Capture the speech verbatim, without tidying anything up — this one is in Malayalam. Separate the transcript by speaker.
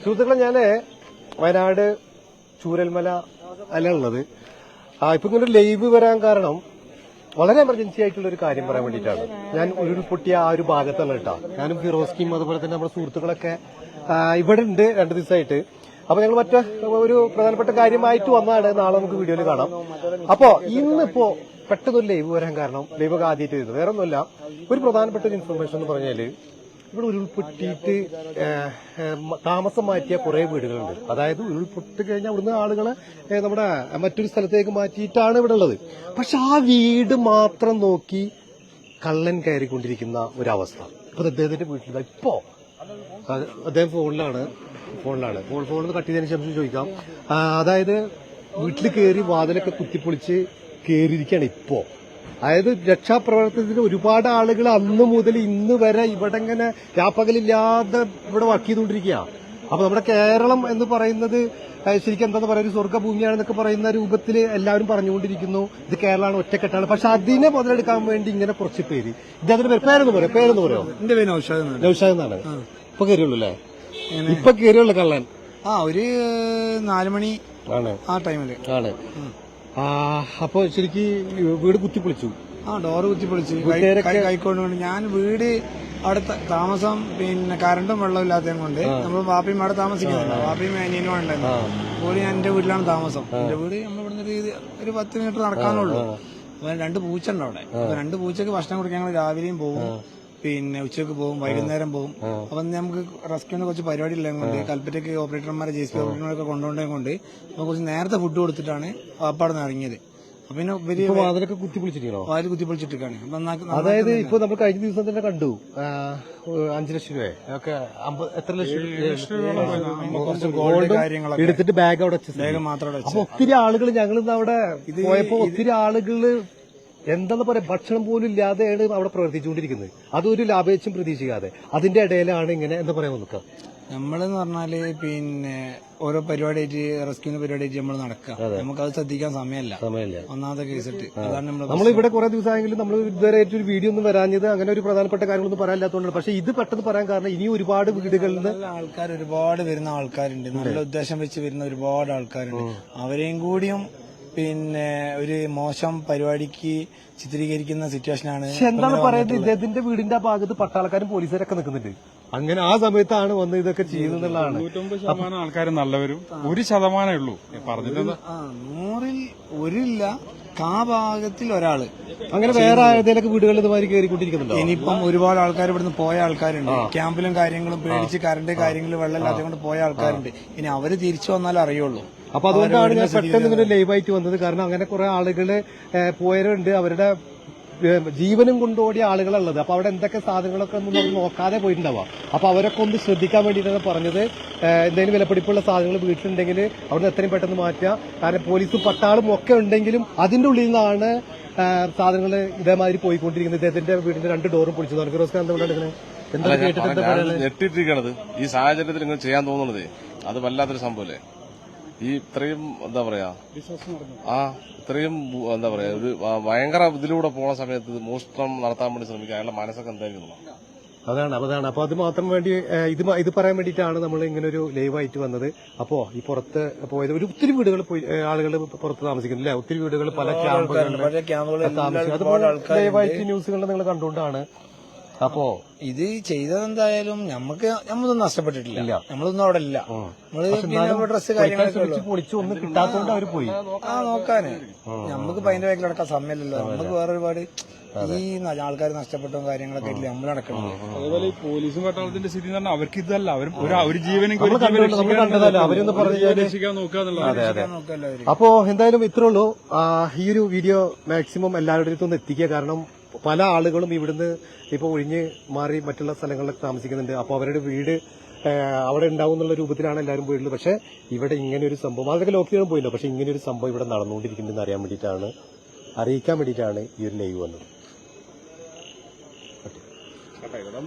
Speaker 1: സുഹൃത്തുക്കളെ, ഞാന് വയനാട് ചൂരൽമല അല്ല ഉള്ളത്. ആ ഇപ്പൊ ഇങ്ങനെ ലൈവ് വരാൻ കാരണം വളരെ എമർജൻസി ആയിട്ടുള്ള ഒരു കാര്യം പറയാൻ വേണ്ടിയിട്ടാണ്. ഞാൻ ഉരുൾപൊട്ടിയ ആ ഒരു ഭാഗത്താണ് കേട്ടോ. ഞാനും ഫിറോസ്കിയും അതുപോലെ തന്നെ നമ്മുടെ സുഹൃത്തുക്കളൊക്കെ ഇവിടെ ഉണ്ട് രണ്ടു ദിവസമായിട്ട്. അപ്പൊ ഞങ്ങൾ മറ്റേ ഒരു പ്രധാനപ്പെട്ട കാര്യമായിട്ട് വന്നതാണ്. നാളെ നമുക്ക് വീഡിയോയിൽ കാണാം. അപ്പോ ഇന്നിപ്പോ പെട്ടെന്നൊരു ലൈവ് വരാൻ കാരണം, ലൈവ് ഒക്കെ ആദ്യമായിട്ട് വരുന്നത് വേറെ ഒന്നുമല്ല, ഒരു പ്രധാനപ്പെട്ട ഒരു ഇൻഫർമേഷൻ എന്ന് പറഞ്ഞാല് ഇവിടെ ഉരുൾപൊട്ടിയിട്ട് താമസം മാറ്റിയ കുറെ വീടുകളുണ്ട്. അതായത് ഉരുൾപൊട്ടി കഴിഞ്ഞാൽ ഇവിടുന്ന് ആളുകളെ നമ്മുടെ മറ്റൊരു സ്ഥലത്തേക്ക് മാറ്റിയിട്ടാണ് ഇവിടെ ഉള്ളത്. പക്ഷെ ആ വീട് മാത്രം നോക്കി കള്ളൻ കയറിക്കൊണ്ടിരിക്കുന്ന ഒരവസ്ഥ. അപ്പൊ അദ്ദേഹത്തിന്റെ വീട്ടിൽ ഇപ്പോ അദ്ദേഹം ഫോണിലാണ് ഫോണിലാണ് ഫോൺ ഫോണിൽ കട്ട് ചെയ്തതിനു ശേഷം ചോദിക്കാം. അതായത് വീട്ടിൽ കയറി വാതിലൊക്കെ കുത്തിപ്പൊളിച്ച് കയറിയിരിക്കുകയാണ് ഇപ്പോ. അതായത് രക്ഷാപ്രവർത്തനത്തിന് ഒരുപാട് ആളുകൾ അന്ന് മുതൽ ഇന്ന് വരെ ഇവിടെ ഇങ്ങനെ രാപ്പകലില്ലാതെ ഇവിടെ വർക്ക് ചെയ്തുകൊണ്ടിരിക്കുക. അപ്പൊ നമ്മുടെ കേരളം എന്ന് പറയുന്നത് ശരിക്കും എന്താന്ന് പറയുക, ഒരു സ്വർഗ്ഗഭൂമിയാണെന്നൊക്കെ പറയുന്ന രൂപത്തിൽ എല്ലാവരും പറഞ്ഞുകൊണ്ടിരിക്കുന്നു. ഇത് കേരളമാണ്, ഒറ്റക്കെട്ടാണ്. പക്ഷെ അതിനെ മുതലെടുക്കാൻ വേണ്ടി ഇങ്ങനെ കുറച്ച് പേര് ഇദ്ദേഹത്തിന്റെ പേര് പേരെന്ന് പറയാം പേരെന്ന് പറയോ
Speaker 2: എന്റെ പേര് നൗഷാദ്
Speaker 1: നൗഷാദ് എന്നാണ്. ഇപ്പൊ കയറിയുള്ളൂ അല്ലേ? ഇപ്പൊ കയറിയുള്ള കള്ളൻ
Speaker 2: ആ ഒരു നാലുമണി
Speaker 1: ആണ്
Speaker 2: ആ ടൈമില് ആണ്.
Speaker 1: അപ്പൊ ശരിക്ക് വീട് കുത്തിപ്പൊളിച്ചു.
Speaker 2: ആ ഡോറ് കുത്തിപ്പൊളിച്ച് കൈക്കൊണ്ട് കൊണ്ട് ഞാൻ വീട് അവിടെ താമസം പിന്നെ കറണ്ടും വെള്ളം ഇല്ലാത്തത് കൊണ്ട് നമ്മൾ വാപ്പിയും അവിടെ താമസിക്കുന്നില്ല. വാപ്പിയും അനിയനും ഉണ്ടായിരുന്നു. അപ്പോൾ ഞാൻ എന്റെ വീട്ടിലാണ് താമസം. എന്റെ വീട് നമ്മൾ ഇവിടുന്ന് ഒരു പത്ത് മീറ്റർ നടക്കാനുള്ളൂ. അപ്പൊ രണ്ട് പൂച്ച ഉണ്ട് അവിടെ. അപ്പൊ രണ്ട് പൂച്ചക്ക് ഭക്ഷണം കൊടുക്കാൻ ഞങ്ങൾ രാവിലെയും പോകും, പിന്നെ ഉച്ചക്ക് പോകും, വൈകുന്നേരം പോകും. അപ്പൊ നമുക്ക് റെസ്ക്യൂവിന് കുറച്ച് പരിപാടി ഉള്ളത് കൊണ്ട് കൽപ്പറ്റയ്ക്ക് ഓപ്പറേറ്റർമാരെ ജെ സി പി ഓപ്പറേറ്റർമാരൊക്കെ കൊണ്ടുപോയത് കൊണ്ട് നമ്മൾ കുറച്ച് നേരത്തെ ഫുഡ് കൊടുത്തിട്ടാണ് വാപ്പാടെ നിന്ന് ഇറങ്ങിയത്. പിന്നെ
Speaker 1: വാതിലൊക്കെ കുത്തിപ്പൊളിച്ചിട്ടോ?
Speaker 2: വാതിൽ കുത്തിപ്പൊളിച്ചിട്ടാണ്.
Speaker 1: അതായത് ഇപ്പൊ നമ്മൾ കഴിഞ്ഞ ദിവസം തന്നെ കണ്ടു അഞ്ചു ലക്ഷം രൂപ ഒക്കെ എത്ര ലക്ഷം ഗോൾഡ് കാര്യങ്ങളൊക്കെ എടുത്തിട്ട് ബാഗ് അവിടെ ബാഗ് മാത്രം. അപ്പൊ ഒത്തിരി ആളുകൾ ഞങ്ങൾ അവിടെ പോയപ്പോ ഒത്തിരി ആളുകള് എന്താന്ന് പറയാ, ഭക്ഷണം പോലും ഇല്ലാതെയാണ് അവിടെ പ്രവർത്തിച്ചുകൊണ്ടിരിക്കുന്നത്. അതൊരു ലാഭേച്ഛം പ്രതീക്ഷിക്കാതെ അതിന്റെ ഇടയിലാണ് ഇങ്ങനെ എന്താ പറയാ നോക്കുക.
Speaker 2: നമ്മളെന്ന് പറഞ്ഞാല് പിന്നെ ഓരോ പരിപാടിയായിട്ട് റെസ്ക്യൂവിന്റെ പരിപാടിയായിട്ട് നമ്മൾ നടക്കുക. നമുക്കത് ശ്രദ്ധിക്കാൻ സമയമല്ല സമയമല്ല ഒന്നാമത്തെ കേസിട്ട്. അതാണ് നമ്മൾ
Speaker 1: നമ്മളിവിടെ കുറെ ദിവസമായെങ്കിലും നമ്മൾ ഇതുവരെ ഒരു വീഡിയോ ഒന്നും വരാഞ്ഞത് അങ്ങനെ ഒരു പ്രധാനപ്പെട്ട കാര്യങ്ങളൊന്നും പറയാനില്ലാത്തതുകൊണ്ട്. പക്ഷെ ഇത് പെട്ടെന്ന് പറയാൻ കാരണം ഇനിയും ഒരുപാട് വീടുകളിൽ നിന്ന്
Speaker 2: ആൾക്കാർ ഒരുപാട് വരുന്ന ആൾക്കാരുണ്ട്. നല്ല ഉദ്ദേശം വെച്ച് വരുന്ന ഒരുപാട് ആൾക്കാരുണ്ട്. അവരെയും കൂടിയും പിന്നെ ഒരു മോശം പരിപാടിക്ക് ചിത്രീകരിക്കുന്ന സിറ്റുവേഷനാണ്.
Speaker 1: എന്താണ് പറയുന്നത്, ഇദ്ദേഹത്തിന്റെ വീടിന്റെ ആ ഭാഗത്ത് പട്ടാളക്കാരും പോലീസുകാരൊക്കെ നിൽക്കുന്നുണ്ട്. അങ്ങനെ ആ സമയത്താണ് വന്ന് ഇതൊക്കെ ചെയ്യുന്നതാണ്.
Speaker 3: തൊണ്ണൂറ്റൊമ്പത് ശതമാനം ആൾക്കാർ നല്ലവരും ഒരു ശതമാനമേ ഉള്ളൂ പറഞ്ഞിട്ട്.
Speaker 2: നൂറിൽ ഒരില്ല കാ ഭാഗത്തിൽ ഒരാള്.
Speaker 1: അങ്ങനെ വേറെ ഏതെങ്കിലും വീടുകളിൽ ഇതുമാതിരി കയറിക്കൊണ്ടിരിക്കുന്നുണ്ടോ?
Speaker 2: ഇനിയിപ്പം ഒരുപാട് ആൾക്കാർ ഇവിടുന്ന് പോയ ആൾക്കാരുണ്ട്. ക്യാമ്പിലും കാര്യങ്ങളും പേടിച്ച് കറണ്ട് കാര്യങ്ങളും വെള്ളം ഇല്ലാത്തത് കൊണ്ട് പോയ ആൾക്കാരുണ്ട്. ഇനി അവര് തിരിച്ചു വന്നാലേ അറിയുള്ളൂ.
Speaker 1: അപ്പൊ അതുകൊണ്ടാണ് ഞാൻ പെട്ടെന്ന് ഇങ്ങനെ ലൈവായിട്ട് വന്നത്. കാരണം അങ്ങനെ കുറെ ആളുകള് പോയവരുണ്ട്, അവരുടെ ജീവനും കൊണ്ടോടിയ ആളുകളുള്ളത്. അപ്പൊ അവിടെ എന്തൊക്കെ സാധനങ്ങളൊക്കെ ഒന്നും അവർ നോക്കാതെ പോയിട്ടുണ്ടാവാം. അപ്പൊ അവരൊക്കെ ഒന്ന് ശ്രദ്ധിക്കാൻ വേണ്ടിയിട്ടാണ് പറഞ്ഞത്. എന്തെങ്കിലും വിലപിടിപ്പുള്ള സാധനങ്ങൾ വീട്ടിലുണ്ടെങ്കിൽ അവിടുന്ന് എത്രയും പെട്ടെന്ന് മാറ്റുക. കാരണം പോലീസും പട്ടാളും ഒക്കെ ഉണ്ടെങ്കിലും അതിന്റെ ഉള്ളിൽ നിന്നാണ് സാധനങ്ങൾ ഇതേമാതിരി പോയിക്കൊണ്ടിരിക്കുന്നത്. ഇദ്ദേഹത്തിന്റെ വീടിന്റെ രണ്ട് ഡോറും പൊളിച്ചതാണ്. ഫിറോസ്ഖാൻ എന്തുകൊണ്ടാണ് എന്താ കേട്ടിട്ട്
Speaker 4: ഞെട്ടിട്ടിരിക്കണത്? ഈ സാഹചര്യത്തിൽ ഇങ്ങനെ ചെയ്യാൻ തോന്നുന്നത് അത് വല്ലാത്തൊരു സംഭവല്ലേ. ഈ ഇത്രയും എന്താ പറയാ ആ ഇത്രയും എന്താ പറയാ ഒരു ഭയങ്കര ഇതിലൂടെ പോണ സമയത്ത് മോഷണം നടത്താൻ വേണ്ടി ശ്രമിക്കുക. അയാളുടെ മനസ്സൊക്കെ എന്തായിരുന്നു?
Speaker 1: അതാണ് അതാണ് അപ്പൊ അത് മാത്രം വേണ്ടി ഇത് ഇത് പറയാൻ വേണ്ടിയിട്ടാണ് നമ്മൾ ഇങ്ങനെ ഒരു ലൈവായിട്ട് വന്നത്. അപ്പോ ഈ പുറത്ത് പോയത് ഒരു ഒത്തിരി വീടുകൾ പോയി ആളുകൾ പുറത്ത് താമസിക്കുന്നില്ല. ഒത്തിരി വീടുകൾ പല ക്യാമ്പുകളിൽ താമസിക്കും. ലൈവായിട്ട് ന്യൂസുകളിൽ നിങ്ങൾ കണ്ടുകൊണ്ടാണ്. അപ്പോ
Speaker 2: ഇത് ചെയ്തതെന്തായാലും നമുക്ക് നമ്മളൊന്നും നഷ്ടപ്പെട്ടിട്ടില്ല. നമ്മളൊന്നും അവിടെ ഇല്ല. നമ്മള് ഡ്രസ് കാര്യങ്ങളൊക്കെ
Speaker 1: പൊളിച്ചു ഒന്നും കിട്ടാത്തതുകൊണ്ട് അവർ പോയി
Speaker 2: ആ നോക്കാന്. നമുക്ക് അതിന്റെ ബാക്കിൽ നടക്കാൻ സമയമില്ലല്ലോ. നമുക്ക് വേറെ ഒരുപാട് ഈ ആൾക്കാർ നഷ്ടപ്പെട്ട കാര്യങ്ങളൊക്കെ ഇല്ല നമ്മൾ നടക്കുന്നത്.
Speaker 3: അതുപോലെ ഈ പോലീസും പട്ടാളത്തിന്റെ സ്ഥിതി എന്ന് പറഞ്ഞാൽ അവർക്ക് ഇതല്ല, അവർ ഒരു ജീവനും
Speaker 1: അവരൊന്ന്
Speaker 3: രക്ഷിക്കാൻ നോക്കുക.
Speaker 1: അപ്പോ എന്തായാലും ഇത്രേ ഉള്ളൂ. ഈ ഒരു വീഡിയോ മാക്സിമം എല്ലാവരുടെ അടുത്തൊന്ന് എത്തിക്കുക. കാരണം പല ആളുകളും ഇവിടുന്ന് ഇപ്പൊ ഒഴിഞ്ഞ് മാറി മറ്റുള്ള സ്ഥലങ്ങളിലൊക്കെ താമസിക്കുന്നുണ്ട്. അപ്പൊ അവരുടെ വീട് അവിടെ ഉണ്ടാവും എന്നുള്ള രൂപത്തിലാണ് എല്ലാവരും പോയിട്ടുള്ളത്. പക്ഷെ ഇവിടെ ഇങ്ങനെ ഒരു സംഭവം അതൊക്കെ ലോക്കിയാണ് പോയില്ലോ. പക്ഷെ ഇങ്ങനെ ഒരു സംഭവം ഇവിടെ നടന്നുകൊണ്ടിരിക്കുന്നുണ്ടെന്ന് അറിയാൻ വേണ്ടിയിട്ടാണ് അറിയിക്കാൻ വേണ്ടിയിട്ടാണ് ഈ ഒരു ലൈവ് വന്നത്.